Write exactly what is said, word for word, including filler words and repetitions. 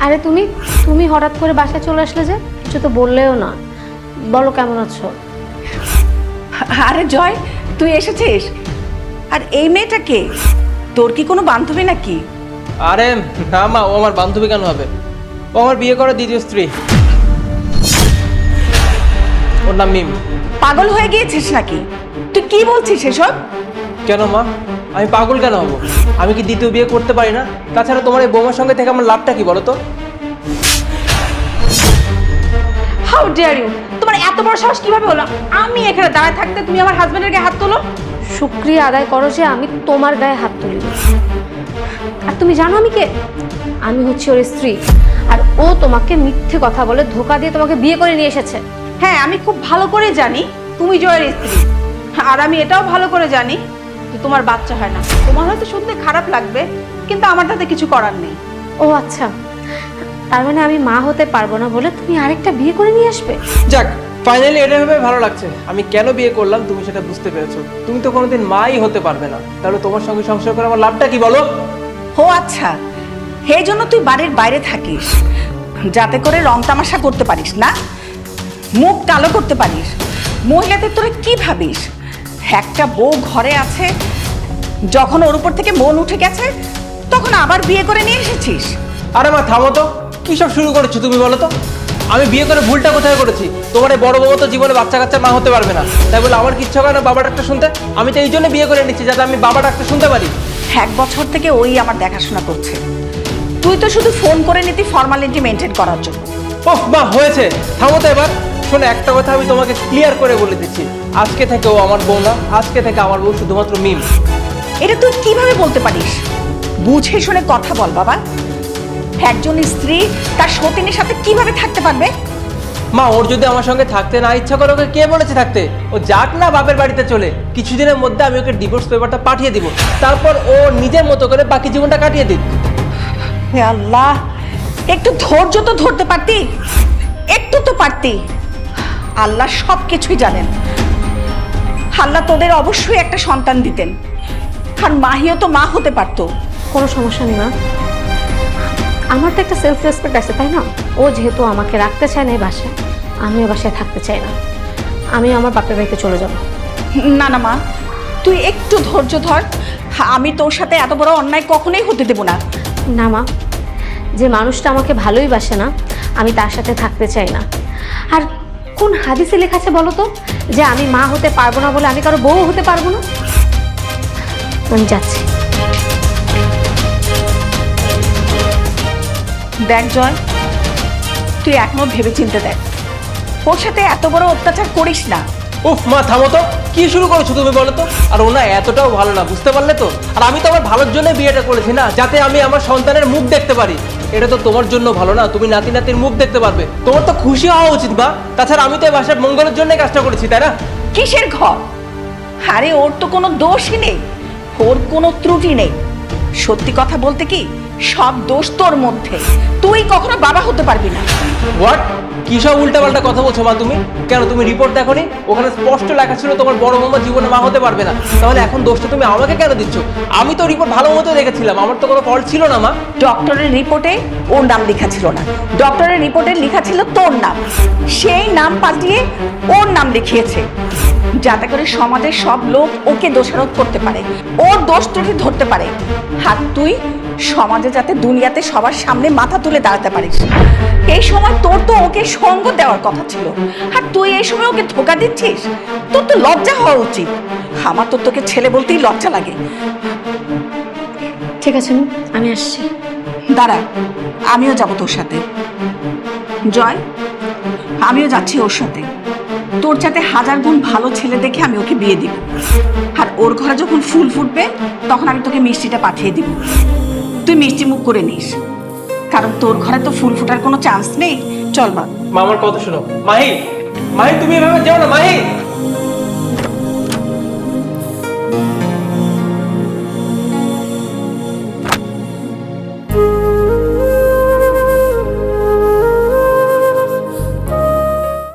আরে তুমি তুমি হঠাৎ করে বাসায় চলে আসলে যে, কিছু তো বললেও না। বলো কেমন আছো? আরে জয়, তুই এসেছিস? আর এই মেয়েটা কে? তোর কি কোনো বান্ধবী নাকি? আরে না মা, ও আমার বান্ধবী কেন হবে? ও আমার বিয়ে করা দ্বিতীয় স্ত্রী। ওর নাম মিম। পাগল হয়ে গিয়েছিস নাকি? তুই কি বলছিস এসব? কেন মা, আমি পাগল কেন হব? আমি কি দ্বিতীয় বিয়ে করতে পারি না? তাছাড়া তোমার এই বৌমার সঙ্গে থেকে আমার লাভটা কি বলো তো? How dare you! তোমার এত বড় সাহস কিভাবে হলো? আমি এখানে দাঁড়ায় থাকতে তুমি আমার হাজবেন্ডের গায়ে হাত তোলো? শুকরিয়া আদায় করো যে আমি তোমার গায়ে হাত তুলি। আর তুমি জানো আমি কে? আমি হচ্ছি ওর স্ত্রী। আর ও তোমাকে মিথ্যে কথা বলে ধোকা দিয়ে তোমাকে বিয়ে করে নিয়ে এসেছে। হ্যাঁ, আমি খুব ভালো করে জানি তুমি জয়ের স্ত্রী। আর আমি এটাও ভালো করে জানি যে তোমার বাচ্চা হয় না। তোমার হয়তো শুনতে খারাপ লাগবে, কিন্তু আমার তাতে কিছু করার নেই। ও আচ্ছা, তার মানে আমি মা হতে পারবো না বলে তুমি আরেকটা বিয়ে করে নিয়ে আসবে? যাক, ফাইনালি এটা ভেবে ভালো লাগছে। আমি কেন বিয়ে করলাম তুমি সেটা বুঝতে পেরেছো। তুমি তো কোনোদিন মাই হতে পারবে না, তাহলে তোমার সঙ্গে সংসার করে আমার লাভটা কি বলো? ও আচ্ছা, এই জন্য তুই বাড়ির বাইরে থাকিস, যাতে করে রং তামাশা করতে পারিস না, মুখ কালো করতে পারিস। মহিলাদের তোরা কি ভাবিস? একটা বউ ঘরে আছে, যখন ওর উপর থেকে মন উঠে গেছে তখন আবার বিয়ে করে নিয়ে এসেছিস। আরে মা থামো তো, কি সব শুরু করেছো তুমি বলো তো? আমি বিয়ে করে ভুলটা কোথায় করেছি? তোমার এই বড় বউ তো জীবনে বাচ্চা কাচ্চা মা হতে পারবে না, তাই বলে আমার কিচ্ছু হয় না বাবা ডাক্তার শুনতে? আমি তো এই জন্য বিয়ে করে নিচ্ছি যাতে আমি বাবা ডাক্তার শুনতে পারি। এক বছর থেকে ওই আমার দেখাশোনা করছে, তুই তো শুধু ফোন করে নিতি ফর্মালিটি মেনটেন করার জন্য। ওহ মা, হয়েছে, থামো তো এবার। শোনো, একটা কথা আমি তোমাকে ক্লিয়ার করে বলে দিচ্ছি, আজকে থেকে ও আমার বউ না, আজকে থেকে আমার বউ শুধুমাত্র মিম। এটা তুই কিভাবে বলতে পারিস? বুঝে শুনে কথা বল বাবা। একজন স্ত্রী তার সতীনের সাথে কিভাবে থাকতে পারবে? মা, ওর যদি আমার সঙ্গে থাকতে না ইচ্ছা করে, ওকে কে বলেছে থাকতে? ও যাক না বাপের বাড়িতে চলে, কিছুদিনের মধ্যে আমি ওকে ডিভোর্স পেপারটা পাঠিয়ে দিব, তারপর ও নিজের মতো করে বাকি জীবনটা কাটিয়ে দিক। হে আল্লাহ, একটু ধৈর্য তো ধরতে পারতি, একটু তো পারতি। আল্লাহ সব কিছুই জানেন। আল্লাহ তোদের অবশ্যই একটা সন্তান দিতেন, আর মাহিও তো মা হতে পারতো। কোনো সমস্যা নেই মা, আমার তো একটা সেলফ রেসপেক্ট আছে, তাই না? ও যেহেতু আমাকে রাখতে চায় না এই বাসায়, আমিও বাসায় থাকতে চাই না। আমি আমার বাপের বাড়িতে চলে যাব। না না মা, তুই একটু ধৈর্য ধর। আমি তোর সাথে এত বড় অন্যায় কখনোই হতে দেব না। না মা, যে মানুষটা আমাকে ভালোই বাসে না, আমি তার সাথে থাকতে চাই না। আর কোন হাদিসে লেখা আছে বলো তো, যে আমি মা হতে পারবো না বলে আমি কারো বউ হতে পারবো না? আমি যাচ্ছি। দেখ জয়, তুই এখনো ভেবে চিন্তে দেখ, ওর সাথে এত বড় অত্যাচার করিস না। উফ মা, থামো তো, কি শুরু করেছো তুমি বলো তো? আর ও না এতটাও ভালো না, বুঝতে পারলে তো? আর আমি তো আমার ভালোর জন্য বিয়েটা করেছি না, যাতে আমি আমার সন্তানের মুখ দেখতে পারি। এটা তো তোমার জন্য ভালো না, তুমি নাতি নাতির মুখ দেখতে পারবে, তোমার তো খুশি হওয়া উচিত বা। তাছাড়া আমি তো এই বাসার মঙ্গলের জন্য কাজটা করেছি, তাই না? কিসের ঘর? আরে ওর তো কোনো দোষই নেই, ওর কোনো ত্রুটি নেই। সত্যি কথা বলতে কি, সব দোষ তোর মধ্যে। তুই কখনো বাবা হতে পারবি না। হোয়াট? কি সব উল্টাপাল্টা কথা বলছো মা তুমি? কেন তুমি রিপোর্ট দেখোনি? ওখানে স্পষ্ট লেখা ছিল তোমার বড় মামা জীবনে মা হতে পারবে না। তাহলে এখন দোষটা তুমি আমাকে কেন দিচ্ছ? আমি তো রিপোর্ট ভালো মতো দেখেছিলাম, আমার তো কোনো ফল্ট ছিল না মা। ডক্টরের রিপোর্টে ওর নাম লেখা ছিল না, ডক্টরের রিপোর্টে লেখা ছিল তোর নাম। সেই নাম পাল্টিয়ে ওর নাম লিখিয়েছে, যাতে করে সমাজের সব লোক ওকে দোষারোপ করতে পারে, ওর দোষ ত্রুটি ধরতে পারে। আর তুই সমাজে যাতে দুনিয়াতে সবার সামনে মাথা তুলে দাঁড়াতে পারিস। এই সময় তোর তো ওকে সঙ্গ দেওয়ার কথা ছিল, আর তুই এই সময় ওকে ধোকা দিচ্ছিস। তোর তো লজ্জা হওয়া উচিত। আমার তো তোকে ছেলে বলতেই লজ্জা লাগে। ঠিক আছে মা, আমি আসছি। দাঁড়া, আমিও যাব তোর সাথে। জয়, আমিও যাচ্ছি ওর সাথে। তোর সাথে হাজার গুণ ভালো ছেলে দেখে আমি ওকে বিয়ে দিব, আর ওর ঘরে যখন ফুল ফুটবে তখন আমি তোকে মিষ্টিটা পাঠিয়ে দিব। তুই মিষ্টি মুখ করে নিস, কারণ তোর ঘরে তো ফুল ফোটার কোনো চান্স নেই। চল বা। মা আমার কথা শোনো। মাহি, মাহি তুমি এভাবে যাও না মাহি।